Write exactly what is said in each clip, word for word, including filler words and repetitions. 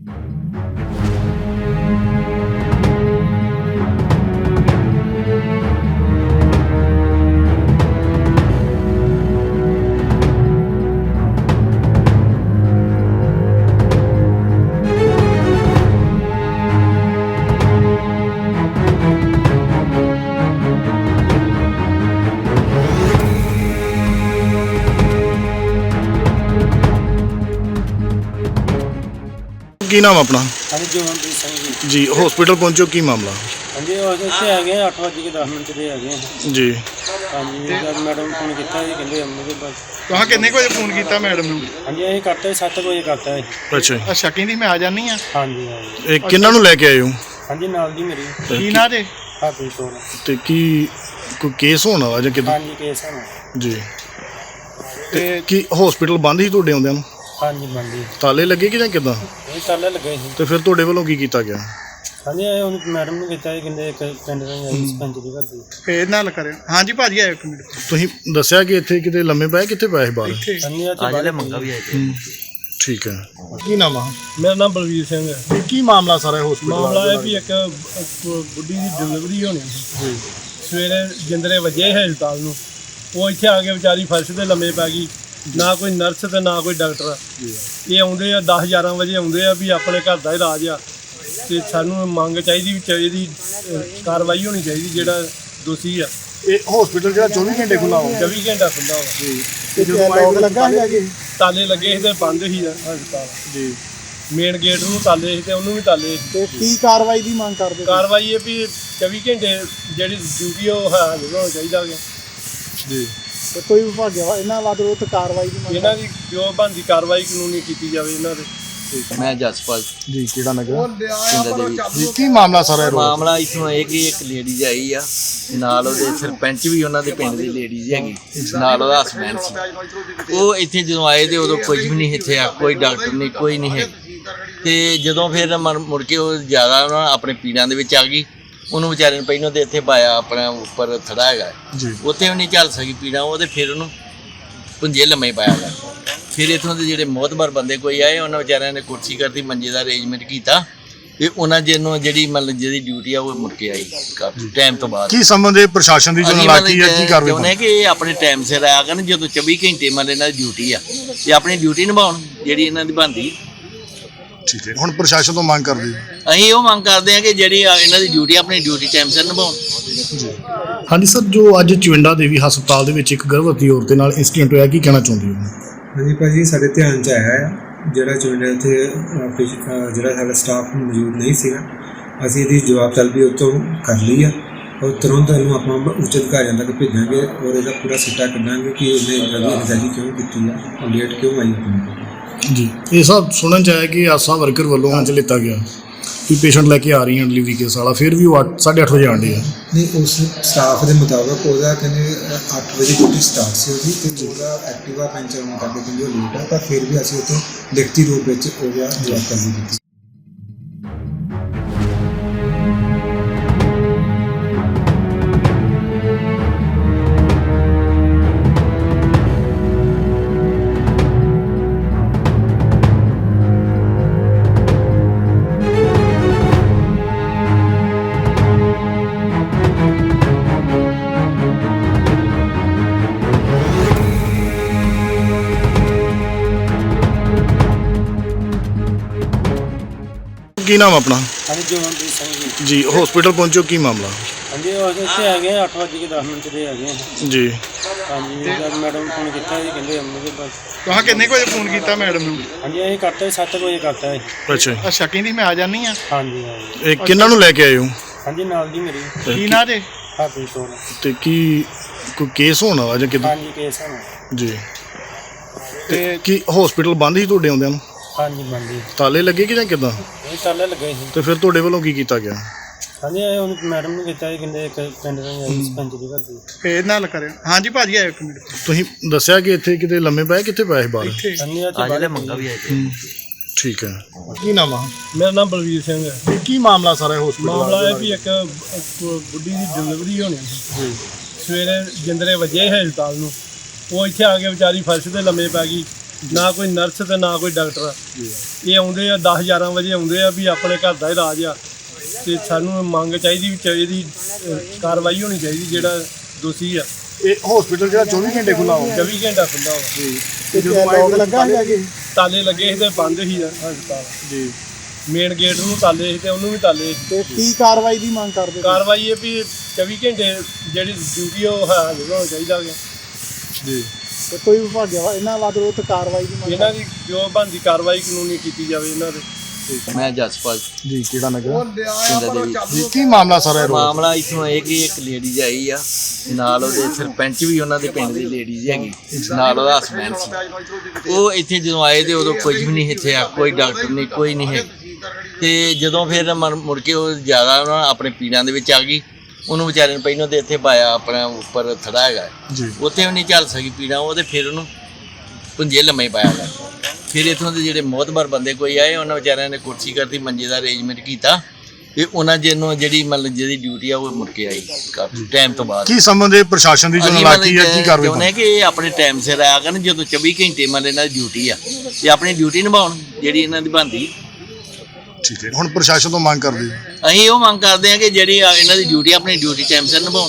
ਕੀ ਨਾਮ ਆਪਣਾ? ਹਾਂਜੀ ਜੋਨਪ੍ਰੀਤ ਸਿੰਘ ਜੀ। ਜੀ ਹਸਪੀਟਲ ਪਹੁੰਚੋ, ਕੀ ਮਾਮਲਾ? ਹਾਂਜੀ ਉਹ ਇੱਥੇ ਹੈਗੇ ਆ ਅੱਠ ਵਜੇ ਕੇ ਦਸ ਮਿੰਟ ਦੇ ਹੈਗੇ ਆ ਜੀ। ਹਾਂਜੀ ਜਦ ਮੈਡਮ ਨੂੰ ਫੋਨ ਕੀਤਾ ਜੀ ਕਹਿੰਦੇ ਅੰਮ੍ਰਿਤ ਬਸ। ਤੁਹਾਂ ਕਿੰਨੇ ਕੁ ਵਜੇ ਫੋਨ ਕੀਤਾ ਮੈਡਮ ਨੂੰ? ਹਾਂਜੀ ਅਸੀਂ ਕਰਤਾ ਸੱਤ ਵਜੇ ਕਰਤਾ ਜੀ। ਅੱਛਾ ਜੀ। ਅੱਛਾ ਕਹਿੰਦੀ ਮੈਂ ਆ ਜਾਨੀ ਆ। ਹਾਂਜੀ ਹਾਂਜੀ ਇਹ ਕਿਹਨਾਂ ਨੂੰ ਲੈ ਕੇ ਆਏ ਹੋ? ਹਾਂਜੀ ਨਾਲ ਦੀ ਮੇਰੀ ਕੀ ਨਾਂ ਜੇ? ਭਾਬੀ ਕੋਲ। ਤੇ ਕੀ ਕੋਈ ਕੇਸ ਹੋਣ ਵਾਲਾ ਜਾਂ ਕਿੱਦਾਂ? ਹਾਂਜੀ ਕੇਸ ਹੈ ਜੀ। ਤੇ ਕੀ ਹਸਪੀਟਲ ਬੰਦ ਹੀ ਤੁਹਾਡੇ ਆਉਂਦਿਆਂ ਨੂੰ? ਹਾਂਜੀ ਮੰਡੀ ਤਾਲੇ ਲੱਗੇ ਕਿ ਜਾਂ ਕਿੱਦਾਂ? ਇਹ ਤਾਲੇ ਲੱਗੇ ਸੀ। ਤੇ ਫਿਰ ਤੁਹਾਡੇ ਵੱਲੋਂ ਕੀ ਕੀਤਾ ਗਿਆ? ਹਾਂਜੀ ਇਹ ਹੁਣ ਮੈਡਮ ਨੂੰ ਕੀਤਾ ਜੀ ਕਹਿੰਦੇ ਇੱਕ ਪਿੰਡ ਦਾ ਆਈ ਸਰਪੰਚ ਦੀ ਘਰ ਦੀ। ਫੇਰ ਨਾਲ ਕਰਿਓ। ਹਾਂਜੀ ਭਾਜੀ ਆਇਓ ਇੱਕ ਮਿੰਟ। ਤੁਸੀਂ ਦੱਸਿਆ ਕਿ ਇੱਥੇ ਕਿਤੇ ਲੰਮੇ ਪਏ, ਕਿੱਥੇ ਪਏ ਸੀ ਬਾਹਰ? ਇੱਥੇ ਹਾਂਜੀ ਆ ਤੇ ਮੰਗਾ ਵੀ ਆਏ। ਠੀਕ ਹੈ। ਕੀ ਨਾਮ ਆ? ਮੇਰਾ ਨਾਮ ਬਲਵੀਰ ਸਿੰਘ ਹੈ। ਤੇ ਕੀ ਮਾਮਲਾ ਸਾਰਾ ਹਸਪੀਟਲ? ਮਾਮਲਾ ਇਹ ਵੀ ਇੱਕ ਬੁੱਢੀ ਦੀ ਡਿਲੀਵਰੀ ਹੋਣੀ ਸੀ। ਸਵੇਰੇ ਜਿੰਦਰੇ ਵਜੇ ਹਸਪਤਾਲ ਨੂੰ, ਉਹ ਇੱਥੇ ਆ ਕੇ ਵਿਚਾਰੀ ਫਰਸ਼ ਤੇ ਲੰਮੇ ਪੈ ਗਈ। ਨਾ ਕੋਈ ਨਰਸ ਤੇ ਨਾ ਕੋਈ ਡਾਕਟਰ। ਇਹ ਆਉਂਦੇ ਆ ਦਸ ਗਿਆਰਾਂ ਵਜੇ ਆਉਂਦੇ ਆ ਵੀ ਆਪਣੇ ਘਰ ਦਾ ਇਲਾਜ ਆ ਤੇ ਸਾਨੂੰ ਮੰਗ ਚਾਹੀਦੀ ਵੀ ਚਾਹੀਦੀ ਕਾਰਵਾਈ ਹੋਣੀ ਚਾਹੀਦੀ ਜਿਹੜਾ ਦੋਸ਼ੀ ਆ। ਇਹ ਹਸਪੀਟਲ ਜਿਹੜਾ ਚੌਵੀ ਘੰਟੇ ਖੁੱਲਾ ਹੋਵੇ? ਚੌਵੀ ਘੰਟਾ ਖੁੱਲ੍ਹਾ ਵਾ। ਤੇ ਜਦੋਂ ਲੋਕ ਲੱਗਾ ਹੈਗਾ ਕਿ ਤਾਲੇ ਲੱਗੇ ਸੀ ਤੇ ਬੰਦ ਸੀ ਹਸਪਤਾਲ। ਜੀ। ਮੇਨ ਗੇਟ ਨੂੰ ਤਾਲੇ ਸੀ ਤੇ ਉਹਨੂੰ ਵੀ ਤਾਲੇ ਸੀ। ਤੇ ਕੀ ਕਾਰਵਾਈ ਦੀ ਮੰਗ ਕਰਦੇ? ਕਾਰਵਾਈ ਇਹ ਵੀ ਚੌਵੀ ਘੰਟੇ ਜਿਹੜੀ ਡਿਊਟੀ ਉਹ ਹਾਜ਼ਰ ਹੋਣਾ ਚਾਹੀਦਾ ਕਿ ਜੀ। ਤੇ ਕੋਈ ਵਿਭਾਗਿਆ ਵਾ ਇਹਨਾਂ ਵੱਲ ਉਹ ਤੇ ਕਾਰਵਾਈ ਦੀ ਮੰਗ? ਇਹਨਾਂ ਦੀ ਜੋ ਬਣਦੀ ਕਾਰਵਾਈ ਕਾਨੂੰਨੀ ਕੀਤੀ ਜਾਵੇ ਇਹਨਾਂ ਦੇ। ਮੈਂ ਜਸਪਾਲ ਜੀ। ਕਿਹੜਾ ਨਗਰ? ਜੀ। ਕੀ ਮਾਮਲਾ ਸਾਰਾ? ਮਾਮਲਾ ਇਥੋਂ ਇਹ ਕਿ ਇੱਕ ਲੇਡੀਜ਼ ਆਈ ਆ, ਨਾਲ ਉਹਦੇ ਸਰਪੰਚ ਵੀ ਉਹਨਾਂ ਦੇ ਪਿੰਡ ਦੀ ਲੇਡੀਜ਼ ਹੈਗੀ, ਨਾਲ ਉਹਦਾ ਹਸਬੈਂਡ ਸੀ। ਉਹ ਇੱਥੇ ਜਦੋਂ ਆਏ ਤੇ ਉਦੋਂ ਕੁਝ ਵੀ ਨਹੀਂ ਇੱਥੇ ਆ, ਕੋਈ ਡਾਕਟਰ ਨਹੀਂ, ਕੋਈ ਨਹੀਂ ਹੈ। ਤੇ ਜਦੋਂ ਫਿਰ ਮੁੜ ਕੇ ਉਹ ਜ਼ਿਆਦਾ ਉਹਨਾਂ ਆਪਣੇ ਪੀੜਾਂ ਦੇ ਵਿੱਚ ਆ ਗਈ, ਉਹਨੂੰ ਵਿਚਾਰੇ ਨੂੰ ਪਹਿਲਾਂ ਤੇ ਇੱਥੇ ਪਾਇਆ ਆਪਣਾ ਉੱਪਰ ਥੜਾ ਹੈਗਾ ਉੱਥੇ ਵੀ ਨਹੀਂ ਚੱਲ ਸਕੀ ਪੀੜਾਂ, ਉਹ ਤੇ ਫਿਰ ਉਹਨੂੰ ਪੁੰਜੇ ਲੰਮੇ ਪਾਇਆ ਗਿਆ। ਫਿਰ ਇੱਥੋਂ ਦੇ ਜਿਹੜੇ ਮੋਹਤਬਰ ਬੰਦੇ ਕੋਈ ਆਏ, ਉਹਨਾਂ ਵਿਚਾਰਿਆਂ ਨੇ ਕੁਰਸੀ ਕਰਦੀ, ਮੰਜੇ ਦਾ ਅਰੇਂਜਮੈਂਟ ਕੀਤਾ ਤੇ ਉਹਨਾਂ ਜਿਹਨੂੰ ਜਿਹੜੀ ਮਤਲਬ ਜਿਹਦੀ ਡਿਊਟੀ ਆ ਉਹ ਮੁੜ ਕੇ ਆਈ ਕਾਫੀ ਟਾਈਮ ਤੋਂ ਬਾਅਦ। ਕੀ ਸੰਬੰਧ ਪ੍ਰਸ਼ਾਸਨ ਦੀ ਜੋ ਨਲਾਇਕੀ ਹੈ, ਕੀ ਕਾਰਵਾਈ ਚਾਹੁੰਦੇ ਕਿ ਇਹ ਆਪਣੇ ਟਾਈਮ ਸਿਰ ਆਇਆ ਕਰਨ, ਜਦੋਂ ਚੌਵੀ ਘੰਟੇ ਮਤਲਬ ਇਹਨਾਂ ਦੀ ਡਿਊਟੀ ਆ ਤੇ ਆਪਣੀ ਡਿਊਟੀ ਨਿਭਾਉਣ ਜਿਹੜੀ ਇਹਨਾਂ ਦੀ ਬਣਦੀ। ਠੀਕ ਹੈ। ਹੁਣ ਪ੍ਰਸ਼ਾਸਨ ਤੋਂ ਮੰਗ ਕਰਦੇ? ਅਸੀਂ ਉਹ ਮੰਗ ਕਰਦੇ ਹਾਂ ਕਿ ਜਿਹੜੀ ਇਹਨਾਂ ਦੀ ਡਿਊਟੀ ਆਪਣੀ ਡਿਊਟੀ ਟਾਈਮ ਸਿਰ ਨਿਭਾਉਣ। ਹਾਂਜੀ ਸਰ, ਜੋ ਅੱਜ ਚਵਿੰਡਾ ਦੇਵੀ ਹਸਪਤਾਲ ਦੇ ਵਿੱਚ ਇੱਕ ਗਰਭਵਤੀ ਔਰਤ ਦੇ ਨਾਲ ਇੰਸੀਡੈਂਟ ਹੋਇਆ, ਕੀ ਕਹਿਣਾ ਚਾਹੁੰਦੇ ਹੋ? ਹਾਂਜੀ ਭਾਜੀ, ਸਾਡੇ ਧਿਆਨ 'ਚ ਆਇਆ ਹੈ ਜਿਹੜਾ ਚਵਿੰਡਾ ਉੱਥੇ ਜਿਹੜਾ ਸਾਡਾ ਸਟਾਫ ਮੌਜੂਦ ਨਹੀਂ ਸੀਗਾ, ਅਸੀਂ ਇਹਦੀ ਜਵਾਬ ਤਲਬੀ ਉੱਥੋਂ ਕਰ ਲਈ ਆ ਔਰ ਤੁਰੰਤ ਇਹਨੂੰ ਆਪਾਂ ਉੱਚ ਅਧਿਕਾਰੀਆਂ ਤੱਕ ਭੇਜਾਂਗੇ ਔਰ ਇਹਦਾ ਪੂਰਾ ਸਿੱਟਾ ਕੱਢਾਂਗੇ ਕਿ ਇਹਨੇ ਜਲਦੀ ਅਨਜ਼ਾਲੀ ਕਿਉਂ ਕੀਤੀ ਆ, ਲੇਟ ਕਿਉਂ ਆਈ ਆਪਣੀ। ਜੀ। ਇਹ ਸਭ ਸੁਣਨ 'ਚ ਆਇਆ ਕਿ ਆਸਾ ਵਰਕਰ ਵੱਲੋਂ ਅੱਜ ਲਿੱਤਾ ਗਿਆ ਕਿ ਪੇਸ਼ੈਂਟ ਲੈ ਕੇ ਆ ਰਹੀ ਹੈ ਡਿਲੀਵਰੀ ਕੇਸ ਵਾਲਾ, ਫਿਰ ਵੀ ਉਹ ਅੱਠ ਸਾਢੇ ਅੱਠ ਵਜੇ ਆਉਂਦੇ ਆ। ਨਹੀਂ, ਉਸ ਸਟਾਫ ਦੇ ਮੁਤਾਬਕ ਉਹਦਾ ਕਹਿੰਦੇ ਅੱਠ ਵਜੇ ਡਿਊਟੀ ਸਟਾਰਟ ਸੀ ਉਹਦੀ, ਅਤੇ ਉਹਦਾ ਐਕਟਿਵਾ ਪੈਂਚਰ ਹੋਣ ਕਰਕੇ ਕਹਿੰਦੇ ਉਹ ਲੇਟ ਆ, ਪਰ ਫਿਰ ਵੀ ਅਸੀਂ ਉੱਥੇ ਲਿਖਤੀ ਰੂਪ ਵਿੱਚ ਉਹਦਾ ਜਵਾਬ ਕਰਨੀ ਕੀਤੀ। ਕੀ ਨਾਮ ਆਪਣਾ? ਹਾਂਜੀ ਜੋਨਪ੍ਰੀਤ ਸਿੰਘ ਜੀ। ਜੀ ਹਸਪੀਟਲ ਪਹੁੰਚੋ, ਕੀ ਮਾਮਲਾ? ਹਾਂਜੀ ਉਹ ਇੱਥੇ ਹੈਗੇ ਆ ਅੱਠ ਵਜੇ ਕੇ ਦਸ ਮਿੰਟ ਦੇ ਹੈਗੇ ਆ। ਜੀ। ਹਾਂਜੀ ਜਦ ਮੈਡਮ ਨੂੰ ਫੋਨ ਕੀਤਾ ਜੀ ਕਹਿੰਦੇ ਅੰਮ੍ਰਿਤ ਬਸ। ਤੁਹਾਂ ਕਿੰਨੇ ਕੁ ਵਜੇ ਫੋਨ ਕੀਤਾ ਮੈਡਮ ਨੂੰ? ਹਾਂਜੀ ਅਸੀਂ ਕਰਤਾ ਸੱਤ ਵਜੇ ਕਰਤਾ ਜੀ। ਅੱਛਾ ਜੀ। ਅੱਛਾ ਕਹਿੰਦੀ ਮੈਂ ਆ ਜਾਨੀ ਆ। ਹਾਂਜੀ ਹਾਂਜੀ ਇਹ ਕਿਹਨਾਂ ਨੂੰ ਲੈ ਕੇ ਆਏ ਹੋ? ਹਾਂਜੀ ਨਾਲ ਦੀ ਮੇਰੀ ਕੀ ਨਾਂ ਜੇ? ਭਾਬੀ ਕੋਲ। ਤੇ ਕੀ ਕੋਈ ਕੇਸ ਹੋਣ ਵਾਲਾ ਜਾਂ ਕਿੱਦਾਂ? ਹਾਂਜੀ ਕੇਸ ਹੈ ਜੀ। ਤੇ ਕੀ ਹਸਪੀਟਲ ਬੰਦ ਹੀ ਤੁਹਾਡੇ ਆਉਂਦਿਆਂ ਨੂੰ? ਹਾਂਜੀ ਮੰਡੀ ਤਾਲੇ ਲੱਗੇ ਕਿ ਜਾਂ ਕਿੱਦਾਂ? ਇਹ ਤਾਲੇ ਲੱਗੇ ਸੀ। ਤੇ ਫਿਰ ਤੁਹਾਡੇ ਵੱਲੋਂ ਕੀ ਕੀਤਾ ਗਿਆ? ਹਾਂਜੀ ਇਹ ਹੁਣ ਮੈਡਮ ਨੂੰ ਕੀਤਾ ਜੀ ਕਹਿੰਦੇ ਇੱਕ ਪਿੰਡ ਦਾ ਆਈ ਸਰਪੰਚ ਦੀ ਘਰ ਦੀ। ਫੇਰ ਨਾਲ ਕਰਿਓ। ਹਾਂਜੀ ਭਾਜੀ ਆਇਓ ਇੱਕ ਮਿੰਟ। ਤੁਸੀਂ ਦੱਸਿਆ ਕਿ ਇੱਥੇ ਕਿਤੇ ਲੰਮੇ ਪਏ, ਕਿੱਥੇ ਪਏ ਸੀ ਬਾਹਰ? ਇੱਥੇ ਹਾਂਜੀ ਆ ਤੇ ਮੰਗਾ ਵੀ ਆਏ। ਠੀਕ ਹੈ। ਕੀ ਨਾਮ ਆ? ਮੇਰਾ ਨਾਮ ਬਲਵੀਰ ਸਿੰਘ ਹੈ। ਤੇ ਕੀ ਮਾਮਲਾ ਸਾਰਾ ਹਸਪੀਟਲ? ਮਾਮਲਾ ਇਹ ਵੀ ਇੱਕ ਬੁੱਢੀ ਦੀ ਡਿਲੀਵਰੀ ਹੋਣੀ ਸੀ। ਸਵੇਰੇ ਜਿੰਦਰੇ ਵਜੇ ਹਸਪਤਾਲ ਨੂੰ, ਉਹ ਇੱਥੇ ਆ ਕੇ ਵਿਚਾਰੀ ਫਰਸ਼ ਤੇ ਲੰਮੇ ਪੈ ਗਈ। ਨਾ ਕੋਈ ਨਰਸ ਤੇ ਨਾ ਕੋਈ ਡਾਕਟਰ। ਇਹ ਆਉਂਦੇ ਆ ਦਸ ਗਿਆਰਾਂ ਵਜੇ ਆਉਂਦੇ ਆ ਵੀ ਆਪਣੇ ਘਰ ਦਾ ਇਲਾਜ ਆ, ਤੇ ਸਾਨੂੰ ਮੰਗ ਚਾਹੀਦੀ ਵੀ ਚਾਹੀਦੀ ਕਾਰਵਾਈ ਹੋਣੀ ਚਾਹੀਦੀ ਜਿਹੜਾ ਦੋਸ਼ੀ ਆ। ਇਹ ਹਸਪੀਟਲ ਜਿਹੜਾ ਚੌਵੀ ਘੰਟੇ ਖੁੱਲਾ ਹੋਵੇ ਚੌਵੀ ਘੰਟਾ ਖੁੱਲ੍ਹਾ ਵਾ। ਤੇ ਜਦੋਂ ਲੋਕ ਲੱਗਾ ਹੈਗਾ ਜੀ ਤਾਲੇ ਲੱਗੇ ਸੀ ਤੇ ਬੰਦ ਸੀ ਹਸਪਤਾਲ ਜੀ ਮੇਨ ਗੇਟ ਨੂੰ ਤਾਲੇ ਸੀ ਤੇ ਉਹਨੂੰ ਵੀ ਤਾਲੇ ਸੀ। ਤੇ ਕੀ ਕਾਰਵਾਈ ਦੀ ਮੰਗ ਕਰਦੇ ਹੋ? ਕਾਰਵਾਈ ਇਹ ਵੀ ਚੌਵੀ ਘੰਟੇ ਜਿਹੜੀ ਡਿਊਟੀ ਉਹ ਹਾਜ਼ਰ ਹੋਣਾ ਚਾਹੀਦਾ ਹੈ। ਜੀ ਤੇ ਕੋਈ ਵਿਭਾਗਿਆ ਇਹਨਾਂ ਵੱਲ ਵਿਰੁੱਧ ਕਾਰਵਾਈ ਦੀ ਮੰਗ ਇਹਨਾਂ ਦੀ ਜੋ ਬਣਦੀ ਕਾਰਵਾਈ ਕਾਨੂੰਨੀ ਕੀਤੀ ਜਾਵੇ ਇਹਨਾਂ ਦੇ। ਮੈਂ ਜਸਪਾਲ ਜੀ ਕਿਹੜਾ ਨਗਰ ਪਿੰਡ ਦੇ ਵਿੱਚ ਜੀ ਕੀ ਮਾਮਲਾ ਸਾਰਾ ਇਹ ਰੋਡ ਮਾਮਲਾ ਇਥੋਂ ਇਹ ਕਿ ਇੱਕ ਲੇਡੀਜ਼ ਆਈ ਆ, ਨਾਲ ਉਹਦੇ ਸਰਪੰਚ ਵੀ ਉਹਨਾਂ ਦੇ ਪਿੰਡ ਦੀ ਲੇਡੀਜ਼ ਹੈਗੀ, ਨਾਲ ਉਹਦਾ ਹਸਬੈਂਡ ਸੀ। ਉਹ ਇੱਥੇ ਜਦੋਂ ਆਏ ਤੇ ਉਦੋਂ ਕੁਝ ਵੀ ਨਹੀਂ ਇੱਥੇ ਆ, ਕੋਈ ਡਾਕਟਰ ਨਹੀਂ, ਕੋਈ ਨਹੀਂ ਹੈ। ਤੇ ਜਦੋਂ ਫਿਰ ਮਰ- ਮੁੜ ਕੇ ਉਹ ਜ਼ਿਆਦਾ ਉਹਨਾਂ ਆਪਣੇ ਪੀੜਾਂ ਦੇ ਵਿੱਚ ਆ ਗਈ, ਉਹਨੂੰ ਵਿਚਾਰੇ ਨੂੰ ਪਹਿਲਾਂ ਤੇ ਇੱਥੇ ਪਾਇਆ ਆਪਣਾ ਉੱਪਰ ਥੜਾ ਹੈਗਾ ਜੀ ਉੱਥੇ ਵੀ ਨਹੀਂ ਚੱਲ ਸਕੀ ਪੀੜਾਂ, ਉਹ ਤੇ ਫਿਰ ਉਹਨੂੰ ਪੁੰਜੇ ਲੰਮੇ ਪਾਇਆ ਗਿਆ। ਫਿਰ ਇੱਥੋਂ ਦੇ ਜਿਹੜੇ ਮੋਹਤਬਰ ਬੰਦੇ ਕੋਈ ਆਏ, ਉਹਨਾਂ ਵਿਚਾਰਿਆਂ ਨੇ ਕੁਰਸੀ ਕਰਤੀ, ਮੰਜੇ ਦਾ ਅਰੇਂਜਮੈਂਟ ਕੀਤਾ ਤੇ ਉਹਨਾਂ ਜਿਹਨੂੰ ਜਿਹੜੀ ਮਤਲਬ ਜਿਹਦੀ ਡਿਊਟੀ ਆ ਉਹ ਮੁੜ ਕੇ ਆਈ ਕਾਫੀ ਟਾਈਮ ਤੋਂ ਬਾਅਦ। ਕੀ ਸੰਬੰਧ ਹੈ ਪ੍ਰਸ਼ਾਸਨ ਦੀ ਜੋ ਅਸੀਂ ਨਲਾਇਕੀ ਹੈ, ਕੀ ਮਤਲਬ ਕਾਰਵਾਈ ਚਾਹੁੰਦੇ ਕਿ ਇਹ ਆਪਣੇ ਟਾਈਮ ਸਿਰ ਆਇਆ ਕਰਨ, ਜਦੋਂ ਚੌਵੀ ਘੰਟੇ ਮਤਲਬ ਇਹਨਾਂ ਦੀ ਡਿਊਟੀ ਆ ਤੇ ਆਪਣੀ ਡਿਊਟੀ ਨਿਭਾਉਣ ਜਿਹੜੀ ਇਹਨਾਂ ਦੀ ਬਣਦੀ। ਠੀਕ ਹੈ, ਹੁਣ ਪ੍ਰਸ਼ਾਸਨ ਤੋਂ ਮੰਗ ਕਰਦੇ ਹੋ? ਅਸੀਂ ਉਹ ਮੰਗ ਕਰਦੇ ਹਾਂ ਕਿ ਜਿਹੜੀ ਆ ਇਹਨਾਂ ਦੀ ਡਿਊਟੀ ਆਪਣੀ ਡਿਊਟੀ ਟਾਈਮ ਸਿਰ ਨਿਭਾਉਣ।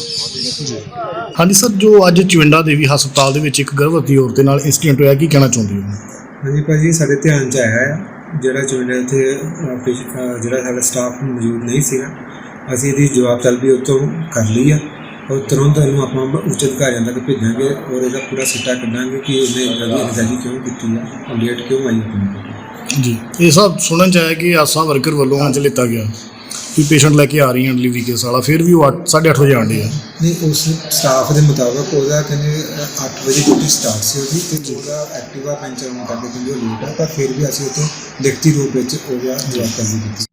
ਹਾਂਜੀ ਸਰ, ਜੋ ਅੱਜ ਚਵਿੰਡਾ ਦੇਵੀ ਹਸਪਤਾਲ ਦੇ ਵਿੱਚ ਇੱਕ ਗਰਭਵਤੀ ਔਰਤ ਦੇ ਨਾਲ ਇੰਸੀਡੈਂਟ ਹੋਇਆ, ਕੀ ਕਹਿਣਾ ਚਾਹੁੰਦੇ ਹੋ? ਹਾਂਜੀ ਭਾਜੀ, ਸਾਡੇ ਧਿਆਨ 'ਚ ਆਇਆ ਹੈ ਜਿਹੜਾ ਚੋਣਾਂ ਇੱਥੇ ਅ, ਪੇਸ਼- ਅ, ਜਿਹੜਾ ਸਾਡਾ ਸਟਾਫ ਮੌਜੂਦ ਨਹੀਂ ਸੀਗਾ, ਅਸੀਂ ਇਹਦੀ ਜਵਾਬ ਤਲਬੀ ਉੱਥੋਂ ਕਰ ਲਈ ਆ ਔਰ ਤੁਰੰਤ ਇਹਨੂੰ ਆਪਾਂ ਉੱਚ ਅਧਿਕਾਰੀਆਂ ਤੱਕ ਭੇਜਾਂਗੇ ਔਰ ਇਹਦਾ ਪੂਰਾ ਸਿੱਟਾ ਕੱਢਾਂਗੇ ਕਿ ਇਹਨੇ ਇੱਦਾਂ ਦੀ ਅਣਗਹਿਲੀ ਕਿਉਂ ਕੀਤੀ ਆ ਔਰ ਲੇਟ ਕਿਉਂ ਆਈ ਆਪਣੀ। ਜੀ, ਇਹ ਸਭ ਸੁਣਨ ਚ ਆਇਆ ਕਿ ਆਸਾ ਵਰਕਰ ਵੱਲੋਂ ਅੱਜ ਲਿੱਤਾ ਗਿਆ ਕਿ ਪੇਸ਼ੈਂਟ ਲੈ ਕੇ ਆ ਰਹੀ ਹੈ ਡਿਲੀਵਰੀ ਕੇਸ ਵਾਲਾ, ਫਿਰ ਵੀ ਉਹ ਅੱਠ ਸਾਢੇ ਅੱਠ ਵਜੇ ਆਉਂਦੇ ਆ। ਨਹੀਂ, ਉਸ ਸਟਾਫ ਦੇ ਮੁਤਾਬਕ ਉਹਦਾ ਕਹਿੰਦੇ ਅੱਠ ਵਜੇ ਡਿਊਟੀ ਸਟਾਰਟ ਸੀ ਉਹਦੀ, ਤੇ ਉਹਦਾ ਐਕਟਿਵਾ ਪੈਂਚਰ ਹੋਣ ਕਰਕੇ ਕਹਿੰਦੇ ਉਹ ਲੇਟ ਆ, ਪਰ ਫਿਰ ਵੀ ਅਸੀਂ ਉੱਥੋਂ ਲਿਖਤੀ ਰੂਪ ਵਿੱਚ ਉਹਦਾ ਜਵਾਬ ਤਲਬੀ ਕੀਤੀ।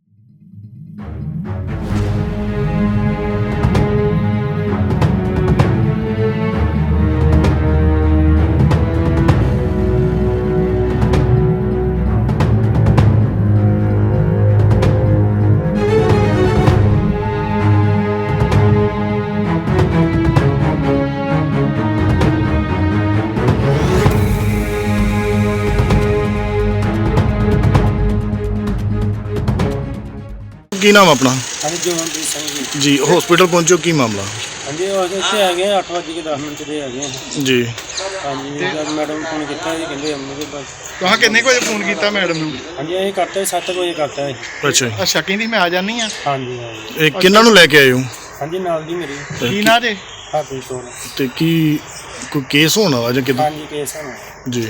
ਕੀ ਨਾਮ ਆਪਣਾ? ਹਾਂਜੀ ਜੋਨਪ੍ਰੀਤ ਸਿੰਘ ਜੀ। ਜੀ, ਹਸਪੀਟਲ ਪਹੁੰਚੋ, ਕੀ ਮਾਮਲਾ? ਹਾਂਜੀ ਉਹ ਇੱਥੇ ਆ ਗਏ ਅੱਠ ਵਜੇ ਕੇ ਦਸ ਮਿੰਟ ਦੇ ਆ ਗਏ ਹਾਂ। ਜੀ, ਹਾਂਜੀ ਜਦ ਮੈਡਮ ਨੂੰ ਫੋਨ ਕੀਤਾ ਜੀ ਕਹਿੰਦੇ ਆਉਣਗੇ ਬਸ। ਤੁਹਾਂ ਕਿੰਨੇ ਕੁ ਵਜੇ ਫੋਨ ਕੀਤਾ ਮੈਡਮ ਨੂੰ? ਹਾਂਜੀ ਇਹ ਕਰਤਾ ਸੱਤ ਵਜੇ ਕਰਤਾ ਜੀ। ਅੱਛਾ ਜੀ। ਅੱਛਾ, ਕਹਿੰਦੀ ਮੈਂ ਆ ਜਾਨੀ ਆ। ਹਾਂਜੀ ਹਾਂਜੀ ਇਹ ਕਿਹਨਾਂ ਨੂੰ ਲੈ ਕੇ ਆਏ ਹੋ ਹਾਂਜੀ ਨਾਲ ਦੀ ਮੇਰੀ ਕੀ ਨਾਂ ਜੇ? ਹਰਪ੍ਰੀਤ ਕੌਰ। ਤੇ ਕੀ ਕੋਈ ਕੇਸ ਹੋਣ ਵਾਲਾ ਜਾਂ ਕਿੱਦਾਂ? ਹਾਂਜੀ ਕੇਸ ਹੋਣਾ। ਜੀ,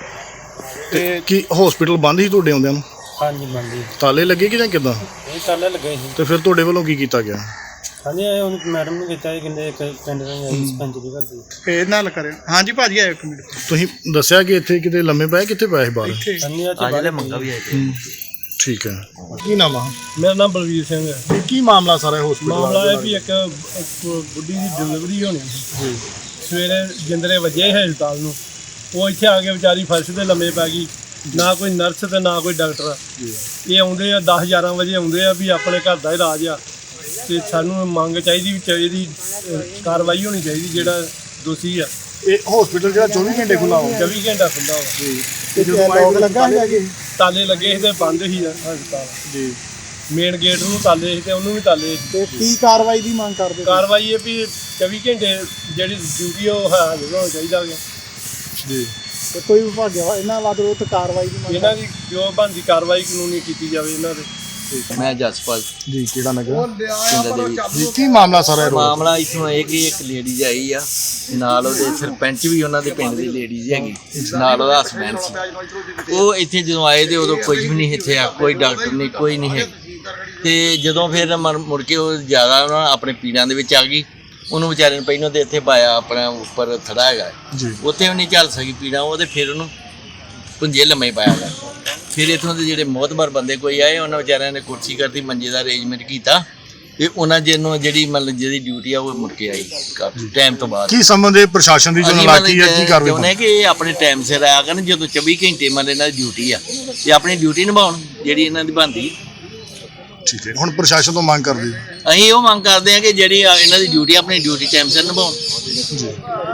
ਤੇ ਕੀ ਹਸਪੀਟਲ ਬੰਦ ਹੀ ਤੁਹਾਡੇ ਆਉਂਦਿਆਂ ਨੂੰ? ਹਾਂਜੀ ਬੰਦੀ ਤਾਲੇ ਲੱਗੇ ਕਿ ਜਾਂ ਕਿੱਦਾਂ? ਇਹ ਤਾਲੇ ਲੱਗੇ ਸੀ। ਤੇ ਫਿਰ ਤੁਹਾਡੇ ਵੱਲੋਂ ਕੀ ਕੀਤਾ ਗਿਆ? ਹਾਂਜੀ ਇਹ ਹੁਣ ਮੈਡਮ ਨੂੰ ਕੀਤਾ ਜੀ, ਕਹਿੰਦੇ ਇੱਕ ਪਿੰਡ ਦਾ ਆਈ ਸਰਪੰਚ ਦੀ ਘਰ ਦੀ। ਫੇਰ ਨਾਲ ਕਰਿਓ। ਹਾਂਜੀ ਭਾਜੀ ਆਇਓ ਇੱਕ ਮਿੰਟ। ਤੁਸੀਂ ਦੱਸਿਆ ਕਿ ਇੱਥੇ ਕਿਤੇ ਲੰਮੇ ਪਏ, ਕਿੱਥੇ ਪਏ ਸੀ ਬਾਹਰ? ਹਾਂਜੀ ਆ ਆ ਜਿਹੜੇ ਮੰਗਾ ਵੀ ਆਏ ਤੇ ਠੀਕ ਹੈ। ਕੀ ਨਾਮ ਆ? ਮੇਰਾ ਨਾਮ ਬਲਵੀਰ ਸਿੰਘ ਹੈ। ਤੇ ਕੀ ਮਾਮਲਾ ਸਾਰਾ ਹਸਪੀਟਲ ਮਾਮਲਾ ਇਹ ਵੀ ਇੱਕ ਇੱਕ ਬੁੱਢੀ ਦੀ ਡਿਲੀਵਰੀ ਹੋਣੀ ਸੀ। ਸਵੇਰੇ ਜਿੰਦਰੇ ਵੱਜੇ ਹਸਪਤਾਲ ਨੂੰ, ਉਹ ਇੱਥੇ ਆ ਕੇ ਵਿਚਾਰੀ ਫਰਸ਼ ਤੇ ਲੰਮੇ ਪੈ ਗਈ, ਨਾ ਕੋਈ ਨਰਸ ਤੇ ਨਾ ਕੋਈ ਡਾਕਟਰ। ਇਹ ਆਉਂਦੇ ਆ ਦਸ ਗਿਆਰਾਂ ਵਜੇ ਆਉਂਦੇ ਆ ਵੀ ਆਪਣੇ ਘਰ ਦਾ ਇਲਾਜ ਆ, ਤੇ ਸਾਨੂੰ ਮੰਗ ਚਾਹੀਦੀ ਵੀ ਚਾਹੀਦੀ ਕਾਰਵਾਈ ਹੋਣੀ ਚਾਹੀਦੀ ਜਿਹੜਾ ਦੋਸ਼ੀ ਆ। ਇਹ ਹਸਪੀਟਲ ਜਿਹੜਾ ਚੌਵੀ ਘੰਟੇ ਖੁੱਲਾ ਹੋਵੇ ਚੌਵੀ ਘੰਟਾ ਖੁੱਲ੍ਹਾ ਵਾ। ਤੇ ਜਦੋਂ ਲੋਕ ਲੱਗਾ ਹੈਗਾ ਜੀ ਤਾਲੇ ਲੱਗੇ ਸੀ ਤੇ ਬੰਦ ਸੀ ਹਸਪਤਾਲ ਜੀ ਮੇਨ ਗੇਟ ਨੂੰ ਤਾਲੇ ਸੀ ਤੇ ਉਹਨੂੰ ਵੀ ਤਾਲੇ ਸੀ। ਤੇ ਕੀ ਕਾਰਵਾਈ ਦੀ ਮੰਗ ਕਰਦੇ ਹੋ? ਕਾਰਵਾਈ ਇਹ ਵੀ ਚੌਵੀ ਘੰਟੇ ਜਿਹੜੀ ਡਿਊਟੀ ਉਹ ਹਾਜ਼ਰ ਹੋਣਾ ਚਾਹੀਦਾ ਹੈ। ਜੀ ਤੇ ਕੋਈ ਵਿਭਾਗਿਆ ਇਹਨਾਂ ਵੱਲ ਵਿਰੁੱਧ ਕਾਰਵਾਈ ਦੀ ਮੰਗ ਇਹਨਾਂ ਦੀ ਜੋ ਬਣਦੀ ਕਾਰਵਾਈ ਕਾਨੂੰਨੀ ਕੀਤੀ ਜਾਵੇ ਇਹਨਾਂ ਦੇ। ਮੈਂ ਜਸਪਾਲ ਜੀ ਕਿਹੜਾ ਨਗਰ ਪਿੰਡ ਦੇ ਵਿੱਚ ਜੀ ਕੀ ਮਾਮਲਾ ਸਾਰਾ ਇਹ ਰੋਡ ਮਾਮਲਾ ਇਥੋਂ ਇਹ ਕਿ ਇੱਕ ਲੇਡੀਜ਼ ਆਈ ਆ, ਨਾਲ ਉਹਦੇ ਸਰਪੰਚ ਵੀ ਉਹਨਾਂ ਦੇ ਪਿੰਡ ਦੀ ਲੇਡੀਜ਼ ਹੈਗੀ, ਨਾਲ ਉਹਦਾ ਹਸਬੈਂਡ ਸੀ। ਉਹ ਇੱਥੇ ਜਦੋਂ ਆਏ ਤੇ ਉਦੋਂ ਕੁਝ ਵੀ ਨਹੀਂ ਇੱਥੇ ਆ, ਕੋਈ ਡਾਕਟਰ ਨਹੀਂ, ਕੋਈ ਨਹੀਂ ਹੈ। ਤੇ ਜਦੋਂ ਫਿਰ ਮਰ- ਮੁੜ ਕੇ ਉਹ ਜ਼ਿਆਦਾ ਉਹਨਾਂ ਆਪਣੇ ਪੀੜਾਂ ਦੇ ਵਿੱਚ ਆ ਗਈ, ਉਹਨੂੰ ਵਿਚਾਰੇ ਨੂੰ ਪਹਿਲਾਂ ਤੇ ਇੱਥੇ ਪਾਇਆ ਆਪਣਾ ਉੱਪਰ ਥੜਾ ਹੈਗਾ ਜੀ, ਉੱਥੇ ਵੀ ਨਹੀਂ ਚੱਲ ਸਕੀ ਪੀੜਾਂ, ਉਹ ਤੇ ਫਿਰ ਉਹਨੂੰ ਪੁੰਜੇ ਲੰਮੇ ਪਾਇਆ ਗਿਆ। ਫਿਰ ਇੱਥੋਂ ਦੇ ਜਿਹੜੇ ਮੋਹਤਬਰ ਬੰਦੇ ਕੋਈ ਆਏ, ਉਹਨਾਂ ਵਿਚਾਰਿਆਂ ਨੇ ਕੁਰਸੀ ਕਰਤੀ, ਮੰਜੇ ਦਾ ਅਰੇਂਜਮੈਂਟ ਕੀਤਾ ਤੇ ਉਹਨਾਂ ਜਿਹਨੂੰ ਜਿਹੜੀ ਮਤਲਬ ਜਿਹਦੀ ਡਿਊਟੀ ਆ ਉਹ ਮੁੜ ਕੇ ਆਈ ਕਾਫੀ ਟਾਈਮ ਤੋਂ ਬਾਅਦ। ਕੀ ਸੰਬੰਧ ਹੈ ਪ੍ਰਸ਼ਾਸਨ ਦੀ ਜੋ ਅਸੀਂ ਨਲਾਇਕੀ ਹੈ, ਕੀ ਮਤਲਬ ਕਾਰਵਾਈ? ਚਾਹੁੰਦੇ ਕਿ ਇਹ ਆਪਣੇ ਟਾਈਮ ਸਿਰ ਆਇਆ ਕਰਨ, ਜਦੋਂ ਚੌਵੀ ਘੰਟੇ ਮਤਲਬ ਇਹਨਾਂ ਦੀ ਡਿਊਟੀ ਆ ਤੇ ਆਪਣੀ ਡਿਊਟੀ ਨਿਭਾਉਣ ਜਿਹੜੀ ਇਹਨਾਂ ਦੀ ਬਣਦੀ। ਠੀਕ ਹੈ, ਹੁਣ ਪ੍ਰਸ਼ਾਸਨ ਤੋਂ ਮੰਗ ਕਰਦੇ ਹੋ? ਅਸੀਂ ਉਹ ਮੰਗ ਕਰਦੇ ਹਾਂ ਕਿ ਜਿਹੜੀ ਆ ਇਹਨਾਂ ਦੀ ਡਿਊਟੀ ਆਪਣੀ ਡਿਊਟੀ ਟਾਈਮ ਸਿਰ ਨਿਭਾਉਣ।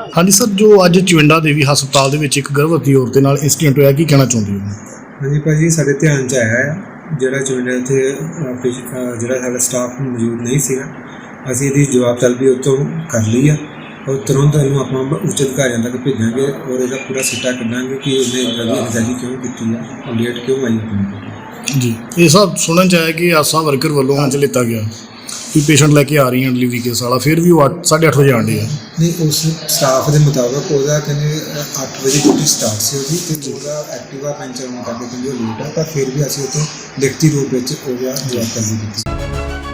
ਹਾਂਜੀ ਸਰ, ਜੋ ਅੱਜ ਚਵਿੰਡਾ ਦੇਵੀ ਹਸਪਤਾਲ ਦੇ ਵਿੱਚ ਇੱਕ ਗਰਭਵਤੀ ਔਰਤ ਦੇ ਨਾਲ ਇੰਸੀਡੈਂਟ ਹੋਇਆ, ਕੀ ਕਹਿਣਾ ਚਾਹੁੰਦੇ ਹੋ? ਹਾਂਜੀ ਭਾਜੀ, ਸਾਡੇ ਧਿਆਨ 'ਚ ਆਇਆ ਹੈ ਜਿਹੜਾ ਚੋਣ ਇੱਥੇ ਅ, ਪੇਸ਼- ਅ, ਜਿਹੜਾ ਸਾਡਾ ਸਟਾਫ ਮੌਜੂਦ ਨਹੀਂ ਸੀਗਾ। ਅਸੀਂ ਇਹਦੀ ਜਵਾਬ ਤਲਬੀ ਉੱਥੋਂ ਕਰ ਲਈ ਆ ਔਰ ਤੁਰੰਤ ਇਹਨੂੰ ਆਪਾਂ ਉੱਚ ਅਧਿਕਾਰੀਆਂ ਤੱਕ ਭੇਜਾਂਗੇ ਔਰ ਇਹਦਾ ਪੂਰਾ ਸਿੱਟਾ ਕੱਢਾਂਗੇ ਕਿ ਇਹਨੇ ਇੱਦਾਂ ਦੀ ਅਣਗਹਿਲੀ ਕਿਉਂ ਕੀਤੀ ਆ, ਲੇਟ ਕਿਉਂ ਆਈ ਆਪਣੀ। ਜੀ, ਇਹ ਸਭ ਸੁਣਨ ਚ ਆਇਆ ਕਿ ਆਸਾ ਵਰਕਰ ਵੱਲੋਂ ਅੱਜ ਲਿੱਤਾ ਗਿਆ ਵੀ ਪੇਸ਼ੈਂਟ ਲੈ ਕੇ ਆ ਰਹੀਆਂ ਡਿਲੀਵਰੀ ਕੇਸ ਵਾਲਾ, ਫਿਰ ਵੀ ਉਹ ਅੱਠ ਸਾਢੇ ਅੱਠ ਵਜੇ ਆਉਂਦੇ ਆ। ਨਹੀਂ, ਉਸ ਸਟਾਫ ਦੇ ਮੁਤਾਬਕ ਉਹਦਾ ਕਹਿੰਦੇ ਅੱਠ ਵਜੇ ਡਿਊਟੀ ਸਟਾਰਟ ਸੀ ਉਹਦੀ, ਤੇ ਉਹਦਾ ਐਕਟਿਵਾ ਪੈਂਚਰ ਹੋਣ ਕਰਕੇ ਕਹਿੰਦੇ ਉਹ ਲੇਟ ਆ, ਪਰ ਫਿਰ ਵੀ ਅਸੀਂ ਉੱਥੇ ਲਿਖਤੀ ਰੂਪ ਵਿੱਚ ਉਹਦਾ ਜਵਾਬ ਤਲਬੀ ਕੀਤੀ।